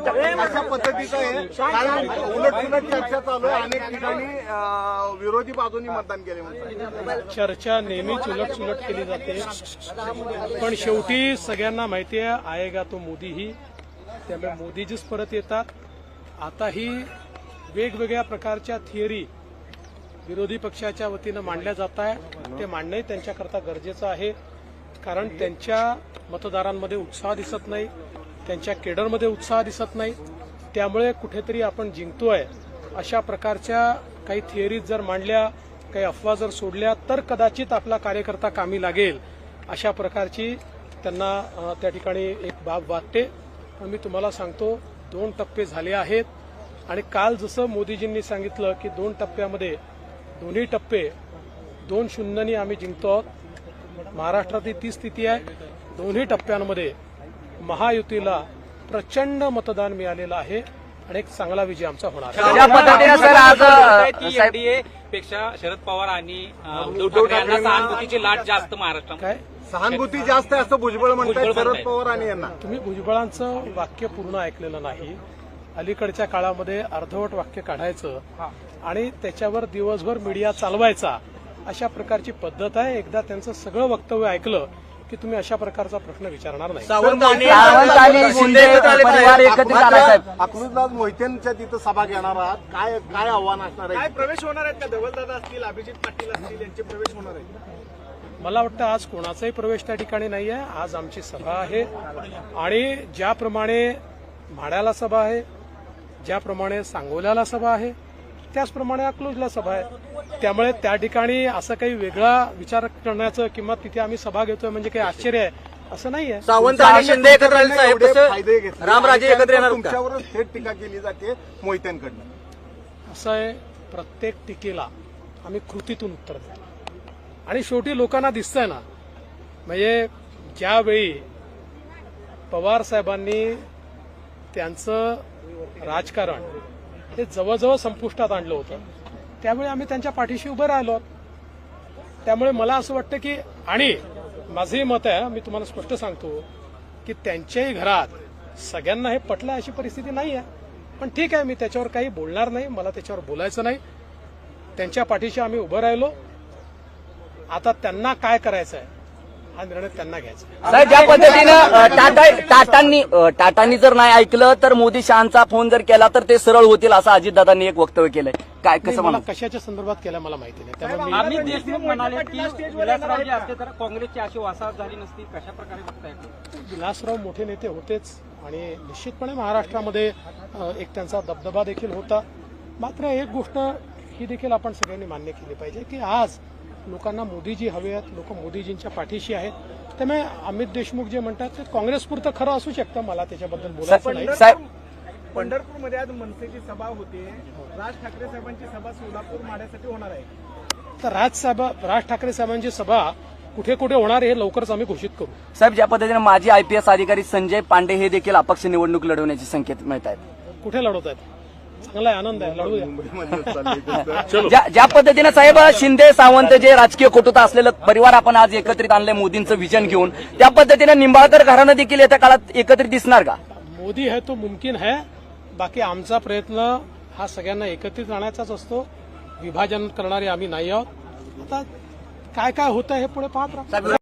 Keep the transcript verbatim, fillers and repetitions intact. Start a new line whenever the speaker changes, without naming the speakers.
अशा पद्धतीचं आहे, कारण उलट सुलट चर्चा चालू आहे. अनेक ठिकाणी अं, विरोधी बाजूनी मतदान केले म्हणतात.
चर्चा नेहमीच उलट सुलट केली जाते, पण शेवटी सगळ्यांना माहिती आहे आएगा तो मोदीही. त्यामुळे मोदीजीच परत येतात. आताही वेगवेगळ्या प्रकारच्या थिअरी विरोधी पक्षाच्या वतीनं मांडल्या जात आहे. ते मांडणंही त्यांच्याकरता गरजेचं आहे, कारण त्यांच्या मतदारांमध्ये उत्साह दिसत नाही, त्यांच्या केडरमध्ये उत्साह दिसत नाही. त्यामुळे कुठेतरी आपण जिंकतोय अशा प्रकारच्या काही थिअरीज जर मांडल्या, काही अफवा जर सोडल्या, तर कदाचित आपला कार्यकर्ता कामी लागेल अशा प्रकारची त्यांना त्या ठिकाणी एक बाब वाटते. पण मी तुम्हाला सांगतो, दोन टप्पे झाले आहेत आणि काल जसं मोदीजींनी सांगितलं की दोन टप्प्यामध्ये दोन्ही टप्पे दोन शून्यनी आम्ही जिंकतो आहोत. महाराष्ट्रातली ती स्थिती आहे. दोन्ही टप्प्यांमध्ये महायुतीला प्रचंड मतदान मिळालेलं आहे आणि एक चांगला विजय आमचा होणार आहे.
ज्या पद्धतीने सर आज
एनडीए पेक्षा शरद पवार आणि उद्धव ठाकरे यांना सहानुभूतीची लाट जास्त महाराष्ट्रात.
काय
सहानुभूती जास्त आहे असं भुजबळ म्हणतात शरद पवार आणि यांना.
तुम्ही भुजबळांचं वाक्य पूर्ण ऐकलेलं नाही. अलीकडच्या काळामध्ये अर्धवट वाक्य काढायचं आणि त्याच्यावर दिवसभर मीडिया चालवायचा, अशा प्रकारची पद्धत आहे. एकदा त्यांचं सगळं वक्तव्य ऐकलं की तुम्ही अशा प्रकारचा प्रश्न विचारणार नाही.
सावंत आणि शिंदे परिवार एकत्रित आला साहेब.
अकलूजदास मोहितेंच्या तिथं सभा घेणार आहात, काय काय आव्हान असणार आहे?
काय प्रवेश होणार आहेत का? धवलदादा असतील, अभिजित पाटील असतील, यांचे प्रवेश होणार आहेत?
मला वाटतं आज कोणाचाही प्रवेश त्या ठिकाणी नाही आहे. आज आमची सभा आहे आणि ज्याप्रमाणे म्हाड्याला सभा आहे, ज्याप्रमाणे सांगोल्याला सभा आहे, त्याचप्रमाणे अकलूजला सभा आहे. त्यामुळे त्या ठिकाणी असं काही वेगळा विचार करण्याचं किंवा तिथे आम्ही सभा घेतोय म्हणजे काही आश्चर्य आहे असं नाही आहे.
सावंत आणि शिंदे एकत्र आले साहेब,
फायदे घेतले,
रामराजे एकत्र येणार का?
तुमच्यावरच थेट टीका केली जाते मोहित्यांकडनं.
असं आहे, प्रत्येक टीकेला आम्ही कृतीतून उत्तर देतो आणि शेवटी लोकांना दिसतंय ना, म्हणजे ज्यावेळी पवार साहेबांनी त्यांचं राजकारण हे जवळजवळ संपुष्टात आणलं होतं, त्यामुळे आम्ही त्यांच्या पाठीशी उभे राहिलो. त्यामुळे मला असं वाटतं की, आणि माझंही मत आहे, मी तुम्हाला स्पष्ट सांगतो की त्यांच्याही घरात सगळ्यांना हे पटलं अशी परिस्थिती नाही आहे. पण ठीक आहे, मी त्याच्यावर काही बोलणार नाही, मला त्याच्यावर बोलायचं नाही. त्यांच्या पाठीशी आम्ही उभं राहिलो. आता त्यांना काय करायचं आहे हा निर्णय त्यांना घ्यायचा.
साहेब, ज्या पद्धतीनं टाटा टाटांनी टाटांनी जर नाही ऐकलं तर मोदी शहांचा फोन जर केला तर ते सरळ होतील असं अजितदादांनी एक वक्तव्य केलंय. काय कसं
मला
म्हणा?
कशाच्या संदर्भात केलं मला माहिती नाही. त्यामुळे मी
अमित देशमुख म्हणाले की विलासराव जे असते तर काँग्रेसची अशी वासाहत झाली नसती. कशा प्रकारे बघताय?
विलासराव मोठे नेते होतेच आणि निश्चितपणे महाराष्ट्रामध्ये एक त्यांचा दबदबा देखील होता. मात्र एक गोष्ट ही देखील आपण सगळ्यांनी मान्य केली पाहिजे की आज लोकांना मोदीजी हवे आहेत, लोक मोदीजींच्या पाठीशी आहेत. त्यामुळे अमित देशमुख जे म्हणतात ते काँग्रेसपुरतं खरं असू शकतं, मला त्याच्याबद्दल बोलायचं नाही.
साहेब,
पंढरपूरमध्ये आज मनसेची सभा होते, राज ठाकरे साहेबांची सभा सोलापूर माड्यासाठी होणार आहे.
तर राज साहेब राज ठाकरे साहेबांची सभा कुठे कुठे होणार हे लवकरच आम्ही घोषित करू.
साहेब, ज्या पद्धतीने माजी आयपीएस अधिकारी संजय पांडे हे देखील अपक्ष निवडणूक लढवण्याचे संकेत मिळत आहेत.
कुठे लढवत आहेत? चांगला आहे, आनंद आहे, लढू द्या.
ज्या ज्या पद्धतीने साहेब शिंदे सावंत जे राजकीय कटुता असलेलं परिवार आपण आज एकत्रित आणलंय मोदींचं विजन घेऊन, त्या पद्धतीने निंबाळकर घराणं देखील येत्या काळात एकत्रित दिसणार का?
मोदी है तो मुमकिन है. बाकी आमचा प्रयत्न हा सगळ्यांना एकत्रित आणायचाच असतो. विभाजन करणारे आम्ही नाही आहोत. आता काय काय होतं हे पुढे पाहत राहा.